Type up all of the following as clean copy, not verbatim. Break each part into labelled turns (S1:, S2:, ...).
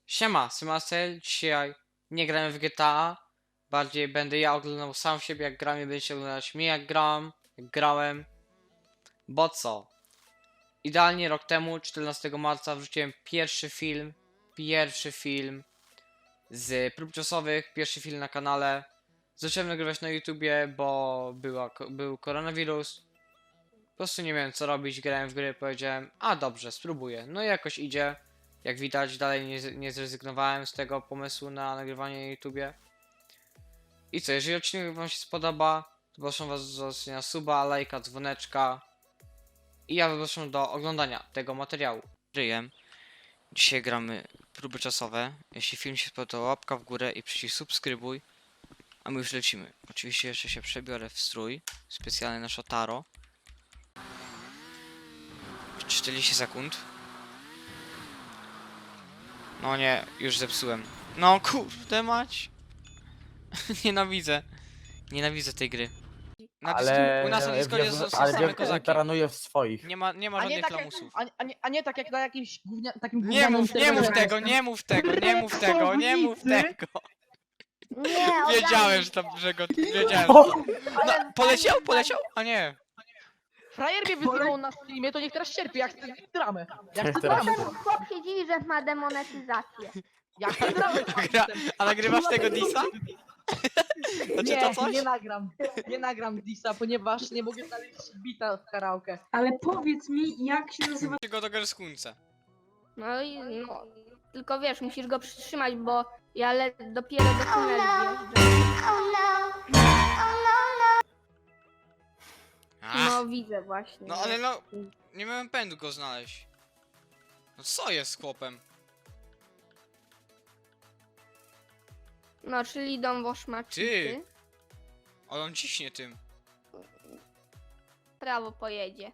S1: Siema, Symasel. Dzisiaj nie gramy w GTA. Bardziej będę ja oglądał sam siebie jak gram i będziecie oglądać mnie jak gram, jak grałem. Bo co? Idealnie rok temu, 14 marca wrzuciłem pierwszy film z prób czasowych, pierwszy film na kanale. Zacząłem nagrywać na YouTubie, bo był koronawirus. Po prostu nie miałem co robić, grałem w gry, powiedziałem, a dobrze, spróbuję. No i jakoś idzie. Jak widać, dalej nie zrezygnowałem z tego pomysłu na nagrywanie na YouTubie. I co, jeżeli odcinek wam się spodoba, to proszę was o zostawienia suba, lajka, dzwoneczka. I ja zapraszam do oglądania tego materiału. Dzisiaj gramy próby czasowe. Jeśli film się spodoba, łapka w górę i przycisk subskrybuj. A my już lecimy. Oczywiście jeszcze się przebiorę w strój specjalny na Shotaro. 40 sekund. No nie, już zepsułem. No kurde mać. Nienawidzę. Nienawidzę tej gry. U nas na Discordzie są same kozaki.
S2: Taranuje w swoich.
S1: Nie ma
S3: A nie,
S1: żadnych
S3: tak jak,
S1: lamusów.
S3: a nie tak jak na jakimś takim
S1: Nie
S3: gównianym
S1: mów
S3: serwerze.
S1: tego, nie mów tego, nie mów tego, nie mów tego.
S4: Nie,
S1: Wiedziałem, że tam, że go... Wiedziałem. No, poleciał? A nie.
S3: Frajer mnie wyzywał na streamie, to niech teraz cierpi, jak chcę dramę. Jak chcę
S2: Teraz.
S3: dramę.
S4: chłop się dziwi, że ma demonetyzację.
S3: Jak chcę dramę.
S1: A nagrywasz tego Disa? Znaczy to coś?
S3: Nie nagram. Nie nagram Disa, ponieważ nie mogę znaleźć bita w karaoke.
S5: Ale powiedz mi, jak się nazywa.
S1: Go do Gerskunce.
S4: No i no, tylko wiesz, musisz go przytrzymać, bo ja dopiero do tunelu wjeżdżam. No widzę właśnie.
S1: No ale no, nie miałem pędu go znaleźć. No co jest z chłopem?
S4: No, czyli dom woszmaczycy.
S1: Ty. Ale on ciśnie tym.
S4: Prawo pojedzie.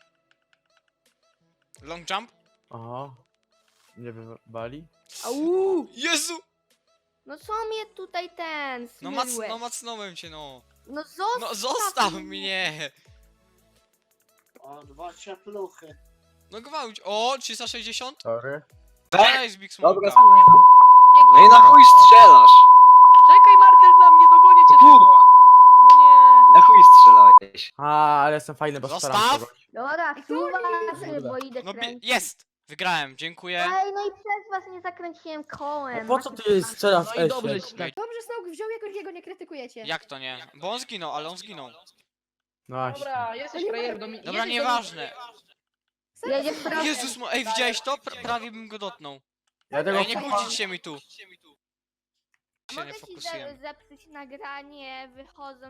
S1: Long jump?
S2: Aha. Nie wybali?
S4: Au!
S1: Jezu!
S4: No co mnie tutaj ten smyłeś?
S1: No macnąłem cię, no.
S4: No zostaw,
S1: No zostaw mnie!
S6: O, 2 ciepluchy.
S1: No gwałć. O, 360?
S2: Sorry.
S1: Cześć, Big Smoke.
S6: Dobra, no i na chuj strzelasz?
S3: Czekaj, Martel, na mnie, dogonię cię tylko. No nie.
S6: Na chuj strzelałeś.
S2: A, ale jestem fajny, bo
S1: Zostaw!
S2: staram się go.
S4: Dobra, suwa, bo idę
S1: No
S4: kręcić.
S1: jest! Wygrałem, dziękuję.
S4: Ej, no i przez was nie zakręciłem kołem.
S2: Po co ty strzelasz w
S3: No i dobrze
S2: Esie?
S3: ci tak.
S7: Dobrze, Snoke wziął jakoś jego nie krytykujecie.
S1: Jak to nie? Bo on zginął, ale on zginął.
S2: No właśnie.
S3: Dobra, jesteś frajer do mnie.
S1: Dobra, nieważne.
S4: Jedziesz prawo.
S1: Jezus, ej, widziałeś to? Prawie bym go dotknął.
S2: Ja tego
S1: Ej, nie kłócić się mi tu. Się
S4: Mogę
S1: nie
S4: ci
S1: fokusuję.
S4: zepsuć nagranie, wychodzą.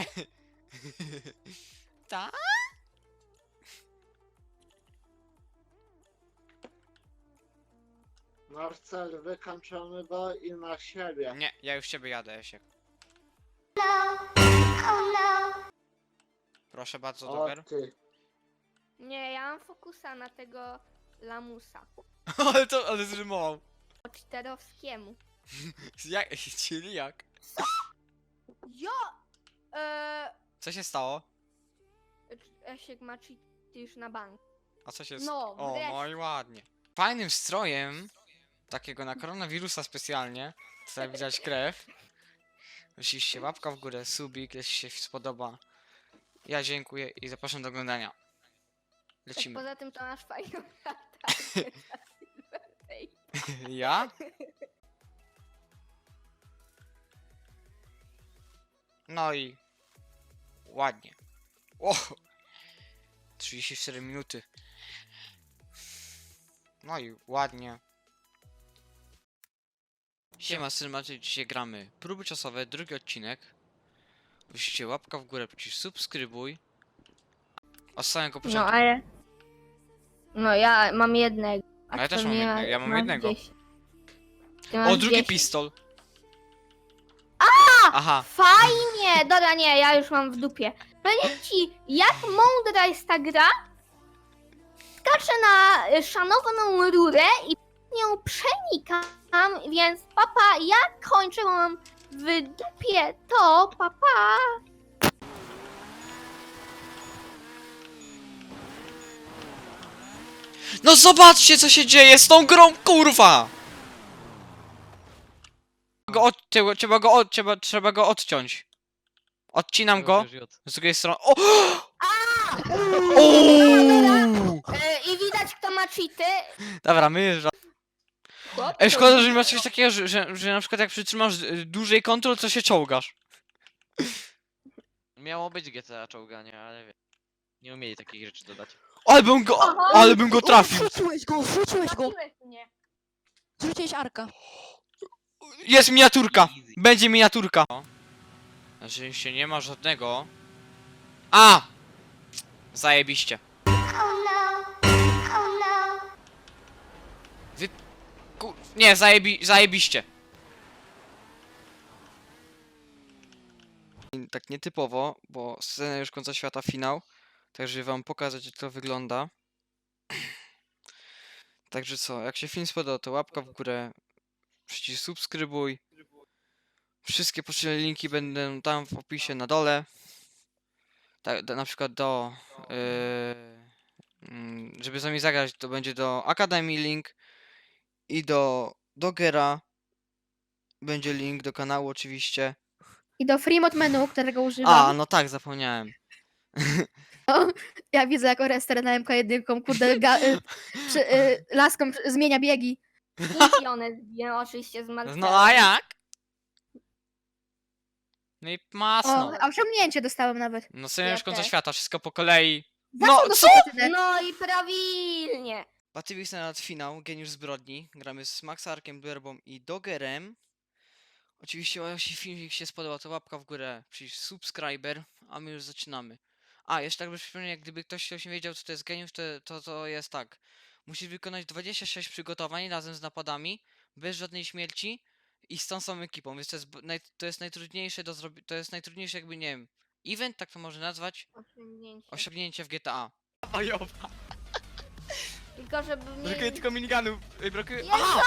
S1: Tak?
S6: Marcel, wykończony go i na siebie.
S1: Nie, ja już ciebie jadę, Jasiek. Proszę bardzo,
S6: O
S1: Doger.
S6: ty.
S4: Nie, ja mam fokusa na tego lamusa.
S1: Ale zrymował.
S4: Po czterowskiemu.
S1: Jak, czyli jak?
S4: Ja!
S1: Co się stało?
S4: Esiek ma cheaty już na bank.
S1: A co się
S4: No,
S1: O,
S4: wreszcie.
S1: no i ładnie. Fajnym strojem, takiego na koronawirusa specjalnie, tutaj widać krew. Oczywiście łapka w górę, subik, jeśli się spodoba. Ja dziękuję i zapraszam do oglądania.
S4: Tak
S1: Lecimy.
S4: poza tym to masz fajną latarkę.
S1: Ja? No i ładnie. O! 34 minuty. No i ładnie. Siema Cinematy, dzisiaj gramy próby czasowe, drugi odcinek. Oczywiście łapka w górę, przycisk subskrybuj. Od samego
S4: No
S1: początku.
S4: ale... No ja mam jednego.
S1: A ja też
S4: to
S1: mam
S4: nie
S1: jednego, ja mam jednego.
S4: 10. Ty masz
S1: O, drugi
S4: 10.
S1: pistol. Aha.
S4: Fajnie! Dobra, nie, ja już mam w dupie. Powiem ci, jak mądra jest ta gra? Skaczę na szanowaną rurę i nią przenikam, więc papa, ja kończę, bo mam w dupie to, papa.
S1: No zobaczcie co się dzieje z tą grą, kurwa! trzeba go odciąć. Odcinam go z drugiej strony. O!
S4: I widać, kto ma cheaty.
S1: Dobra, my. Ej, szkoda, że nie masz czegoś takiego, że na przykład jak przytrzymasz dłużej kontrol, to się czołgasz.
S8: Miało być GTA czołganie, ale wie. Nie umieli takich rzeczy dodać.
S1: Ale bym go trafił.
S9: Wrzuciłeś go!
S4: Trafiłeś mnie.
S9: Zrzuciłeś Arka.
S1: Jest miniaturka! Będzie miniaturka! Znaczy się nie ma żadnego. A! Zajebiście. Nie, zajebiście. Tak nietypowo, bo scena już końca świata, finał. Także wam pokazać, jak to wygląda. Także co, jak się film spodobał, to łapka w górę, przycisk subskrybuj. Wszystkie potrzebne linki będą tam w opisie na dole. Tak, na przykład żeby z nami zagrać, to będzie do Akademii link i do Dogera. Będzie link do kanału oczywiście.
S7: I do Freemod menu, którego
S1: A,
S7: używam.
S1: no tak, zapomniałem.
S7: Ja widzę, jak Orester na MK1, kurde, laską zmienia biegi.
S4: I one zbiją oczywiście z Marcelem.
S1: No a jak? No i
S7: O,
S1: masno.
S7: a osiągnięcie dostałem nawet.
S1: No scena już końca
S4: też.
S1: świata, wszystko po kolei.
S7: Za
S1: No,
S7: co
S1: co?
S7: dostałem?
S4: No i prawilnie.
S1: Patywix na finał, Geniusz Zbrodni. Gramy z Maxarkiem, Duerbą i Dogerem. Oczywiście, jeśli filmik się spodobał, to łapka w górę, przycisk subskryber, a my już zaczynamy. A, jeszcze tak by przypomnieć, gdyby ktoś nie wiedział, co to jest Geniusz, to jest tak. Musisz wykonać 26 przygotowań razem z napadami, bez żadnej śmierci i z tą samą ekipą, więc to jest najtrudniejsze do zrobienia, to jest najtrudniejsze jakby, nie wiem, event, tak to można nazwać,
S4: Osiągnięcie.
S1: osiągnięcie w GTA.
S4: Tylko żeby
S1: Brakuje
S4: mnie...
S1: tylko minigunów, brakuje...
S4: Jezu!
S1: Aha!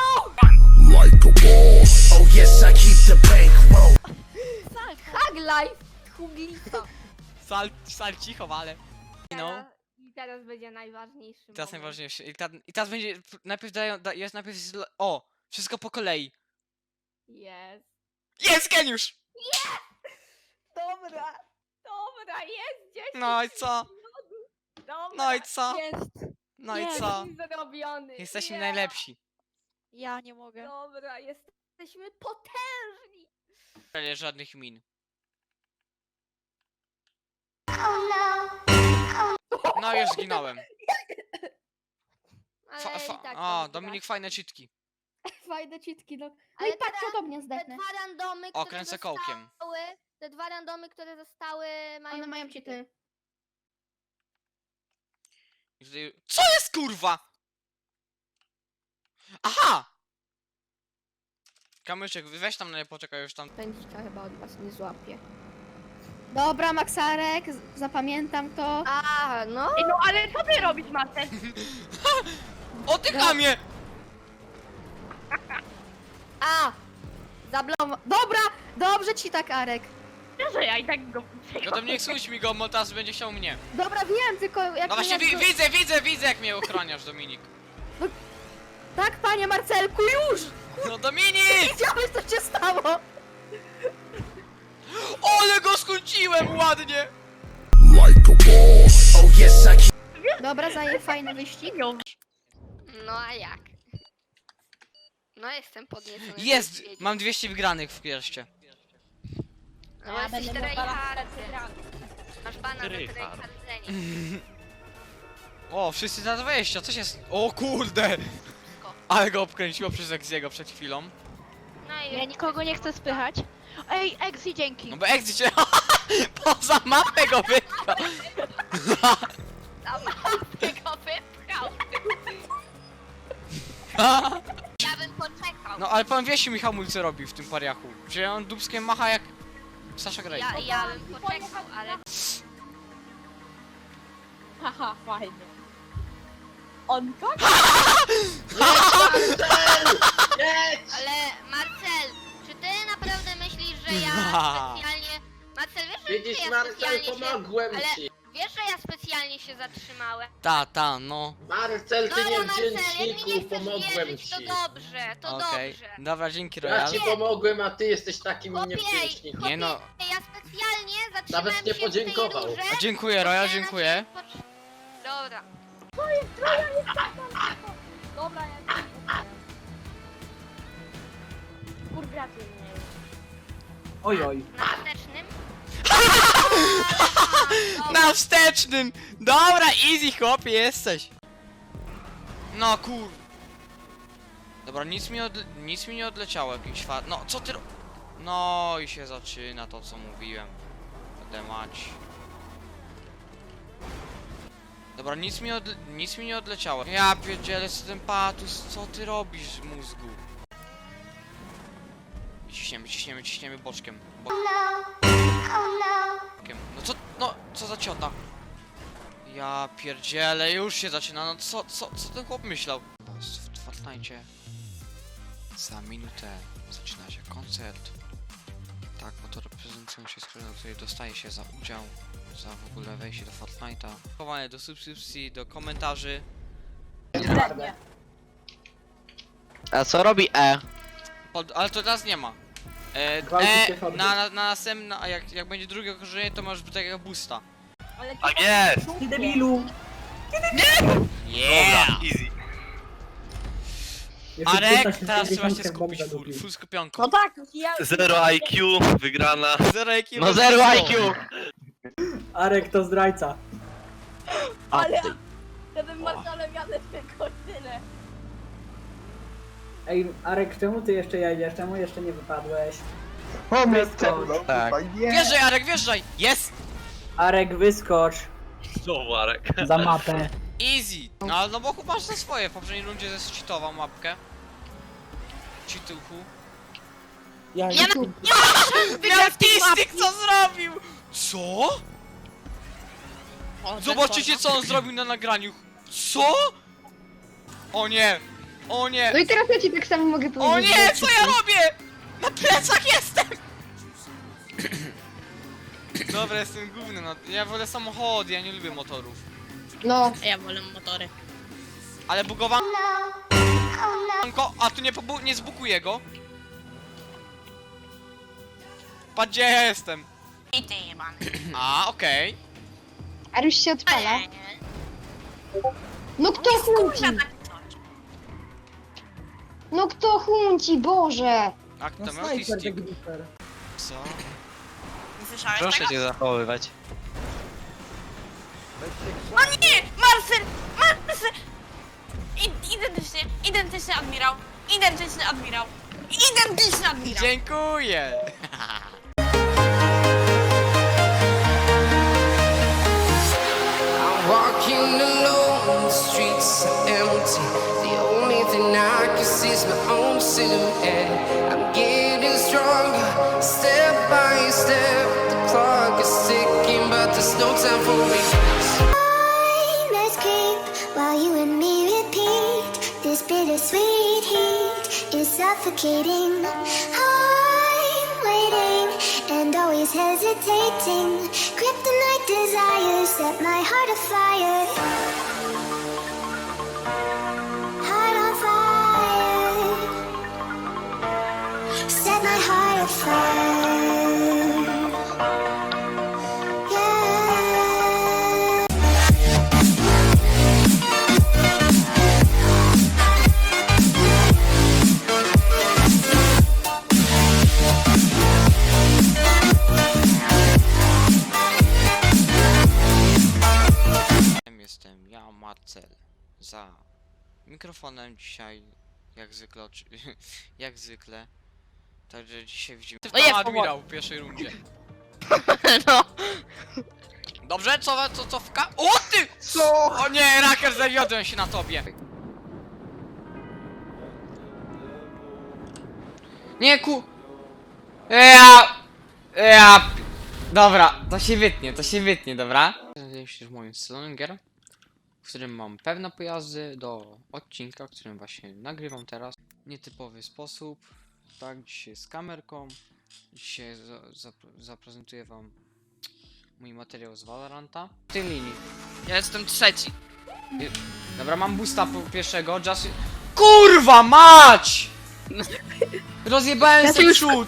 S1: Hug
S4: life! Huglita.
S1: Sal cicho, ale... No.
S4: I teraz będzie najważniejszy
S1: Teraz
S4: moment.
S1: najważniejsze. I teraz będzie. Najpierw jest najpierw. O! Wszystko po kolei.
S4: Jest.
S1: Jest geniusz!
S4: Dobra. Dobra, jest 10.
S1: No i co?
S4: Dobra.
S1: No i co?
S9: Jest.
S1: No i
S9: Jest.
S1: co?
S4: Zrobiony.
S1: Jesteśmy
S4: Ja.
S1: najlepsi.
S9: Ja nie mogę.
S4: Dobra, jesteśmy potężni.
S1: Ale żadnych min. No już zginąłem.
S4: Ale
S1: Fa,
S4: i
S1: fa,
S4: tak
S1: o,
S4: to
S1: Dominik, fajne czytki.
S7: Fajne cheatki, no. No
S4: Ale
S7: i patrz,
S4: teraz
S7: podobnie
S4: Te
S7: zdechnę.
S4: dwa randomy,
S1: O,
S4: które
S1: kręcę
S4: zostały,
S1: kołkiem.
S4: te dwa randomy, które zostały, mają
S7: One mają cheaty.
S1: I tutaj... Co jest kurwa? Aha! Kamyczek, weź tam na poczekaj już tam.
S4: Pędzika chyba od was nie złapie.
S7: Dobra, Maxarek, zapamiętam to.
S4: A, no.
S3: No ale co ty robisz, Marcel?
S1: O ty chamie!
S4: A! Zablokował.
S7: Dobra, dobrze ci tak, Arek.
S3: Że ja i tak go...
S1: No to nie słuchaj mi go, bo teraz będzie chciał mnie.
S7: Dobra, wiem, tylko jak...
S1: No właśnie
S7: jak to-
S1: widzę jak mnie ochroniasz, Dominik.
S7: Tak, panie Marcelku, już!
S1: No Dominik!
S7: Widziałeś, co się stało?
S1: Ale go skończyłem ładnie!
S7: Dobra, zaję fajny wyścig.
S4: No a jak? No jestem podniecony.
S1: Jest!
S4: Wiedzieć.
S1: Mam 200 wygranych w pierście.
S4: No ja jesteś tryhardy. Masz bana za tryhardzenie.
S1: O, wszyscy na 20, co się... O kurde! Ale go obkręciło przez Exiego przed chwilą.
S4: No i
S9: Ja nikogo nie chcę spychać. Ej, Exi, dzięki.
S1: No bo Exi cię... Poza mapę go wypchał!
S4: tego wypchał. Ja bym poczekał.
S1: No ale pan Wiesiu mi hamulce robi w tym pariachu. Że on dubskiem macha jak... Sasha Grey.
S4: Ja bym poczekał, ale...
S9: Haha, fajnie. On tak?
S4: Ale Marcel, czy ty naprawdę myślisz, że ja specjalnie... Marcel, wiesz, że
S6: Widzisz,
S4: ja
S6: Marcel,
S4: specjalnie się...
S6: pomogłem
S4: ale-
S6: ci.
S4: Wiesz, że ja specjalnie specjalnie się zatrzymałem.
S1: Ta, no.
S6: Marcel, ty
S4: Dobra, Marcel, jak mi nie
S6: niewdzięczniku,
S4: chcesz
S6: pomogłem
S4: wierzyć, to
S6: ci.
S4: dobrze, to
S1: Okej.
S4: dobrze.
S1: Dobra, dzięki
S6: Ja
S1: Royal.
S6: ci pomogłem, a ty jesteś takim
S4: Chłopie,
S6: niewdzięcznikiem.
S1: Nie no.
S4: ja specjalnie zatrzymałem
S6: Nawet nie
S4: się
S6: podziękował.
S4: w tej rurze.
S1: A dziękuję Royal,
S4: bo
S1: dziękuję.
S4: chciałem na ciebie Dobra.
S9: Dobra, ja ci Kurgracie mnie.
S3: Oj, oj.
S4: Na wstecznym.
S1: Na wstecznym! Dobra, easy chłopie, jesteś. No kur... Dobra, nic mi nie odleciało, jakiś fat... No, co ty No i się zaczyna to, co mówiłem. Będę mać. Dobra, nic mi nie odleciało. Ja pierdzielę z tym patus, co ty robisz, mózgu? Ciśniemy boczkiem. No co za ciota? Ja pierdzielę, już się zaczyna, no co ten chłop myślał? W Fortnite za minutę zaczyna się koncert. Tak, bo to reprezentują się skróty, do której dostaje się za udział, za w ogóle wejście do Fortnite'a. Chowanie do subskrypcji, do komentarzy.
S8: A co robi E?
S1: Ale to teraz nie ma. Na następne, a jak będzie drugie okrążenie, to masz takiego boosta.
S9: Ale
S10: Tak jest!
S3: Ty debilu!
S1: Yeah!
S10: Easy.
S1: Arek, teraz trzeba się skupić, full skupionko.
S9: No tak, ja...
S10: Zero IQ, wygrana.
S1: Zero IQ.
S8: No zero IQ!
S3: Arek to zdrajca.
S9: Ale... Ja tym Marcelem jadę tylko tyle.
S3: Ej, Arek, czemu ty jeszcze jedziesz? Czemu jeszcze nie wypadłeś?
S8: Tak.
S1: Wjeżdżaj, Arek, wjeżdżaj! Jest!
S3: Arek, wyskocz
S10: Znowu Arek.
S3: za mapę.
S1: Easy! No bo masz za swoje, w poprzedniej rundzie zescheatował mapkę. Cheatuchu. Miastistyk co zrobił? Co? Zobaczycie co on zrobił na nagraniu. Co? O nie! O nie!
S7: No i teraz ja ci tak samo mogę powiedzieć.
S1: O nie! Co ja robię? Na plecach jestem! Dobra, jestem główny, no. Ja wolę samochody, ja nie lubię motorów.
S7: No.
S9: Ja wolę motory.
S1: Ale bugowanko, a tu nie zbukuję go. Patrz gdzie ja jestem.
S9: I ty jebany.
S1: A, okej.
S7: A już się odpala. No kto chłonci? No kto chłonci, Boże!
S1: A kto miał stick? Co?
S9: Nie słyszałeś
S8: Proszę cię zachowywać.
S9: Marcel! Marcel! Identyczny admirał. Identyczny admirał. Identyczny admirał.
S1: Dziękuję!
S11: Walking alone, the streets are empty. The only thing I can see is my own silhouette. I'm getting stronger, step by step. The clock is ticking, but there's no time for regrets.
S12: Let's creep while you and me repeat. This bittersweet heat is suffocating. I'm waiting and always hesitating. Kryptonite desires set my heart afire. Heart on fire. Set my heart afire. Yeah.
S1: Jestem ja, Marcel. Za mikrofonem dzisiaj, jak zwykle, jak zwykle. Także dzisiaj widzimy
S9: No jest,
S1: pan admirał w pierwszej rundzie.
S9: No.
S1: Dobrze, co wka... O ty! Co? O nie, Raker, zawiodłem się na tobie. Nie Dobra, to się wytnie, dobra? Znajduję się w moim salonie gier, w którym mam pewne pojazdy do odcinka, w którym właśnie nagrywam teraz. Nietypowy sposób, tak, dzisiaj z kamerką. Dzisiaj zaprezentuję wam mój materiał z Valoranta. W tej linii.
S3: Ja jestem trzeci.
S1: Dobra, mam boosta pierwszego, just... KURWA MAĆ! Rozjebałem
S7: Ja
S1: sobie
S7: już-
S1: przód!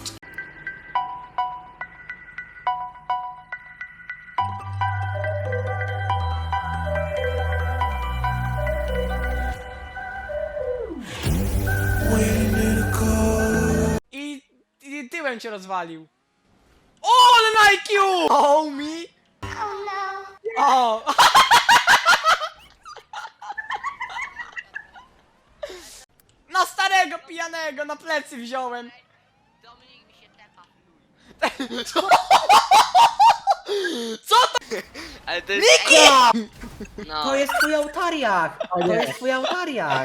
S1: I tyłem cię rozwalił. O, ale na IQ! Oh me! O! Na starego pijanego na plecy wziąłem.
S4: Dominik mi się tepa.
S1: Co to?
S8: Ale to jest... No.
S2: To jest twój autariak! To jest twój autariak!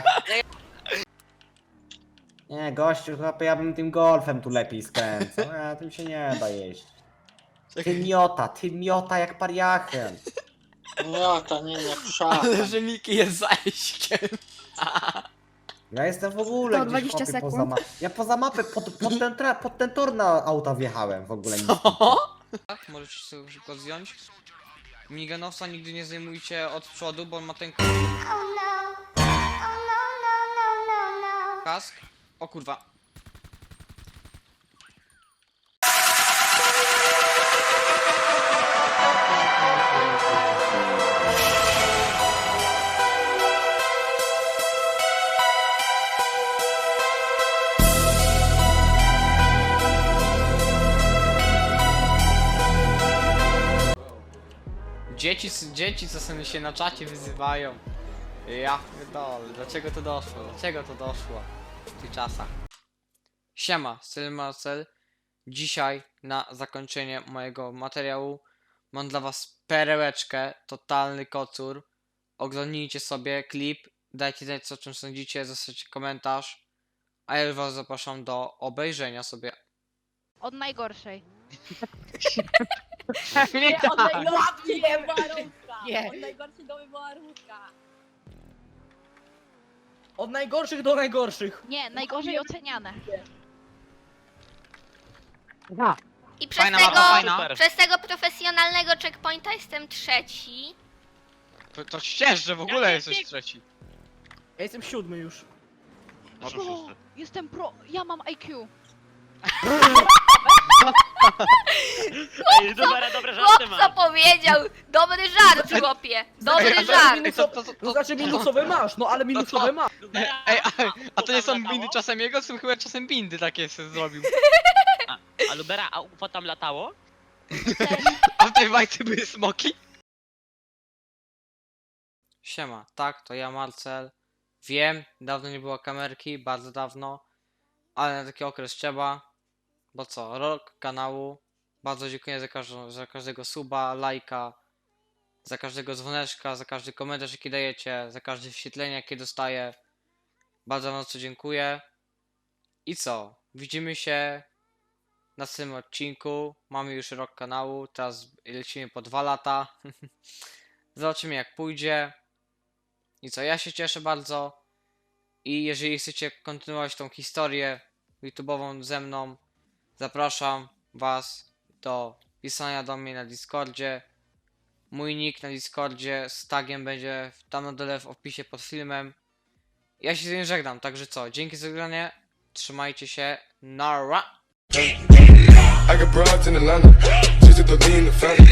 S2: Nie, gościu, chłopie, ja bym tym golfem tu lepiej skręcał. A tym się nie da jeść. Ty miota jak pariachem.
S6: Miota, nie pszaka.
S1: Ale że Miki jest zajśkiem.
S2: Ja jestem w ogóle
S7: 120
S2: gdzieś chłopie, poza
S7: sekund.
S2: mapę. Ja poza mapę, pod ten tor na auta wjechałem w ogóle. Nic.
S1: Tak, możecie sobie szybko zdjąć. Miniganowca nigdy nie zdejmujcie od przodu, bo on ma ten kask. O kurwa. Dzieci co sobie się na czacie wyzywają. Ja pierdolę, dlaczego to doszło? Dlaczego to doszło w tych czasach? Siema, Styl Marcel. Dzisiaj na zakończenie mojego materiału mam dla was perełeczkę, totalny kocur. Oglądnijcie sobie klip, dajcie znać co o czym sądzicie, zostawcie komentarz. A ja już was zapraszam do obejrzenia sobie.
S9: Od najgorszej.
S3: Nie,
S9: Od najgorszej do warunka.
S3: Nie.
S9: Od najgorszej do warunka.
S3: Od najgorszych do najgorszych.
S9: Nie, najgorzej oceniane.
S4: I przez
S1: Fajna
S4: tego,
S1: mapa, fajna.
S4: przez tego profesjonalnego checkpointa jestem trzeci.
S1: To ścież, że w ogóle jesteś trzeci.
S3: Ja jestem 7 już.
S9: O, jestem pro... Ja mam IQ.
S8: Ej, dobra, dobre żarty
S4: Chłop co powiedział? Dobry żart, chłopie. Dobry żart.
S3: To znaczy minusowe masz, no ale minusowe masz.
S1: Ej, a to nie są bindy czasem jego, są chyba czasem bindy takie sobie zrobił.
S8: A Lubera, a UFO tam latało?
S1: A w tej bajce były smoki? Siema, tak, to ja Marcel. Wiem, dawno nie było kamerki, bardzo dawno. Ale na taki okres trzeba. Bo co, rok kanału. Bardzo dziękuję za każdego suba, lajka. Za każdego dzwoneczka, za każdy komentarz jaki dajecie. Za każde wyświetlenie jakie dostaję. Bardzo wam za to dziękuję. I co? Widzimy się na następnym odcinku. Mamy już rok kanału, teraz lecimy po 2 lata. Zobaczymy jak pójdzie. I co, ja się cieszę bardzo. I jeżeli chcecie kontynuować tą historię YouTube'ową ze mną, zapraszam was do pisania do mnie na Discordzie. Mój nick na Discordzie z tagiem będzie tam na dole w opisie pod filmem. Ja się z tym żegnam, także co, dzięki za oglądanie, trzymajcie się, nara!
S12: I got broads in Atlanta, just to lean the family.